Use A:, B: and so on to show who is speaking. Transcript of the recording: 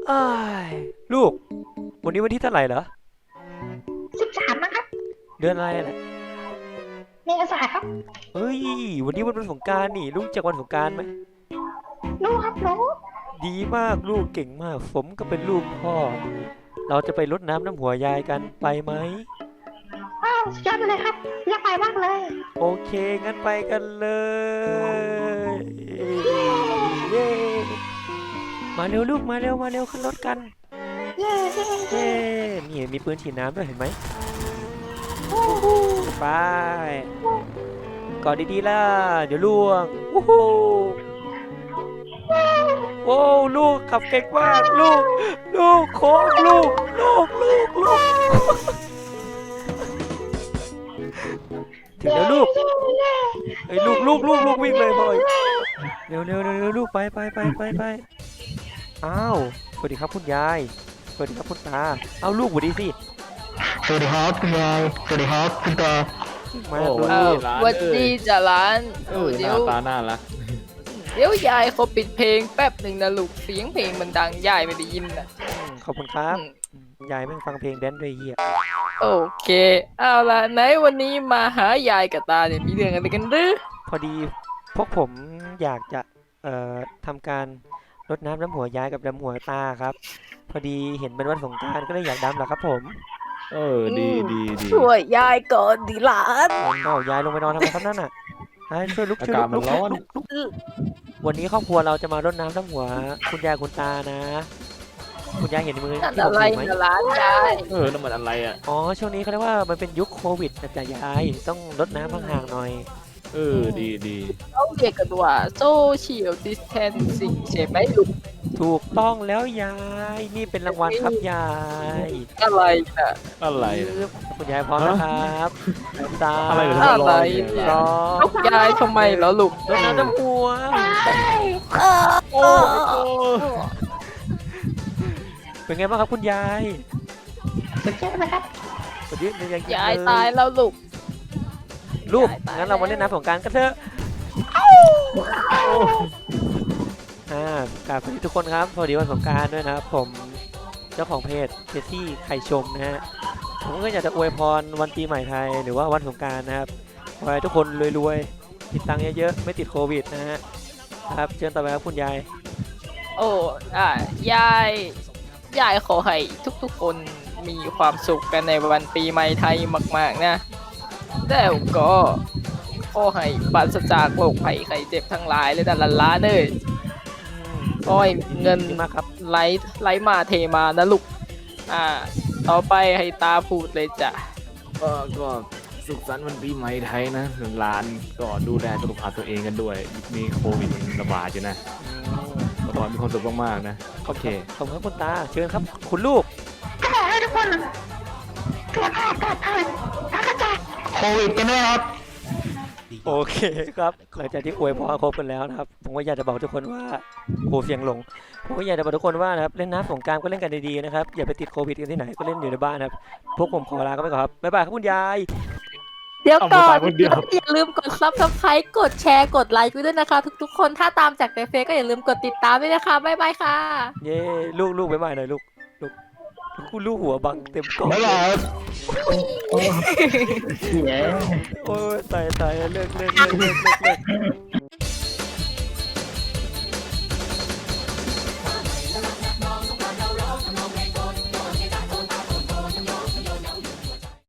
A: อ้ายลูกวันนี้วันที่เท่าไหร่เหรอ
B: 13นะครับ
A: เดือนอะไรน่ะ
B: เมษาครับ
A: เฮ้ยวันนี้วันสงกรานต์นี่ลูกจากวันสงกรานต์ไหม
B: รู้ครับรู้
A: ดีมากลูกเก่งมากสมก็เป็นลูกพ่อเราจะไปรดน้ำหัวยายกันไปไหม
B: อ้าวสุดยอดไปเลยครับอยากไปมากเลย
A: โอเคงั้นไปกันเลยเย้มาเร็วลูกมาเร็วมาเร็วขึ้นรถกัน
B: เย้เย้
A: เย้
B: เย้
A: นี่มีปืนฉีดน้ำด้วยเห็นไหม
B: โอ้โห
A: ไปกอดดีๆล่ะเดี๋ยวล่วงวู้ฮู้โอ้ลูกขับเก่งมากลูกโค้งลูกถึงแล้วลูกเอ้ยลูกวิ่งเลยพ่อยเร็วลูกไปอ้าวสวัสดีครับคุณยายสวัสดีครับคุณตาเอาลูกสวัสดีสิ
C: สวัสดีครับคุณยายสวัสดีครับคุณตา
A: มา
D: โอ้
A: ลู
D: วันนี้
A: ก
D: ร้าน
E: หวัด
D: เอ้
E: ดี
D: ย
E: จ้ะร้าน
D: หน้าตาน่ารัก
E: เดี๋ยวยายเขาปิดเพลงแป๊บหนึ่งนะลูกเสียงเพลงมันดังยายไม่ได้ยินนะ
A: ขอบคุณครับ
E: อืม
A: ยายแม่งฟังเพลงแดนซ์ด้วยเฮีย
E: โอเคเอาล่ะไหนวันนี้มาหายายกับตาเนี่ยมีเรื่องอะไรกันหรือ
A: พอดีพวกผมอยากจะทำการรดน้ำหัวยายกับน้ำหัวตาครับ พอดีเห็นเป็นวันสงกรานต์ก็เลยอยากดำแหละครับผม
D: ดี
E: ช่วยยายก่อนดิหลาน
A: เอายายลงไปนอนทำไมครับนั่นน่ะช่วยลุก
D: อา
A: ช่วย
D: กาศมั
A: ลุ
D: น
A: ก
D: ร้อน
A: ลุกวันนี้ครอบครัวเราจะมารดน้ำหัวคุณยายคุณตานะ คุณยายเห็นมือ
E: นั่น
A: ที่ผ
E: อะ
A: ม
E: ไร
A: ถือไหม
E: นะหลานยาย
D: น้ำมันอะไรอ่ะ
A: อ๋อช่วงนี้เขาเรียกว่ามันเป็นยุคโควิดนะจ๊ะยายต้องรดน้ำห่างๆหน่อย
D: ดี
E: เขาเรียกกันว่าโซเชียลดิสแทนซิ่งใช่ไหมลูก
A: ถูกต้องแล้วยายนี่เป็นรางวัลครับยาย
E: อะไรนะ
D: อะไร
A: คุณยายพร้อมนะครับสาม
D: อะไรเหรอ
E: อะไร
A: สอง
E: ลูกยายทำไมเหรอลูก
A: รดน้ำหัว
D: โอ้
A: เป็นไงบ้างครับคุณยาย
B: สุดยอดไปครับ
A: สวัสดียัง
E: ยายตายแล้วลูก
A: ลูก
E: ยายตาย
A: งั้นเรามาเล่นน้ำสงกรานต์กันเถอะกราบสวัสดีทุกคนครับสวัสดีวันสงกรานต์ด้วยนะครับผมเจ้าของเพจเจสซี่ไข่ชมนะฮะผมก็อยากจะอวยพรวันปีใหม่ไทยหรือว่าวันสงกรานต์นะครับขอให้ทุกคนรวยๆติดตังค์เยอะๆไม่ติดโควิดนะฮะครับเชิญต่อไปครับคุณยาย
E: โอ้ยายขอให้ทุกๆคนมีความสุขกันในวันปีใหม่ไทยมากๆนะแล้วก็ขอให้ปราศจากโรคภัยไข้เจ็บทั้งหลายเลยนะหลานๆเอ้ยขอให้เงิน
A: ดีมากครับ
E: ไหลมาเทมานะลูกต่อไปให้ตาพูดเลยจ้ะ
D: ก็สุขสันต์วันปีใหม่ไทยนะร้านก็ดูแลสุขภาพตัวเองกันด้วยมีโควิดระบาดอยู่นะขอให้มีความสุขมากๆนะโอเค
A: ขอบคุณครับคุณตาเชิญครับคุณลูก
B: ก็ขอให้ทุกคนสุขภาพปลอดภัยปราศจาก
C: โควิดกันด้วยครับ
A: โอเคครับหลังจากที่อวยพรครบกันแล้วนะครับผมก็อยากจะบอกทุกคนว่าโหเสียงหลงผมก็อยากจะบอกทุกคนว่านะครับเล่นน้ำสงกรานต์ก็เล่นกันดีๆนะครับอย่าไปติดโควิดกันที่ไหนก็เล่นอยู่ในบ้านนะครับพวกผมขอลากันไปก่อนครับบ๊ายบายครับคุณยาย
E: เดี๋ยวก่อน
D: เอาไปคนเดียว
E: อย่าลืมกด Subscribe กดแชร์กดไลค์ด้วยนะคะ ทุกๆคนถ้าตามจากในเฟซก็อย่าลืมกดติดตามด้วยนะคะบ๊ายบายค่ะ
A: เย้ลูกบ๊ายบายหน่อยลูกคุณลูกหัวบังเต็มกล่อง
C: บ๊ายบายครับโอ้ยเสีย
A: โอ้ยตายเลิก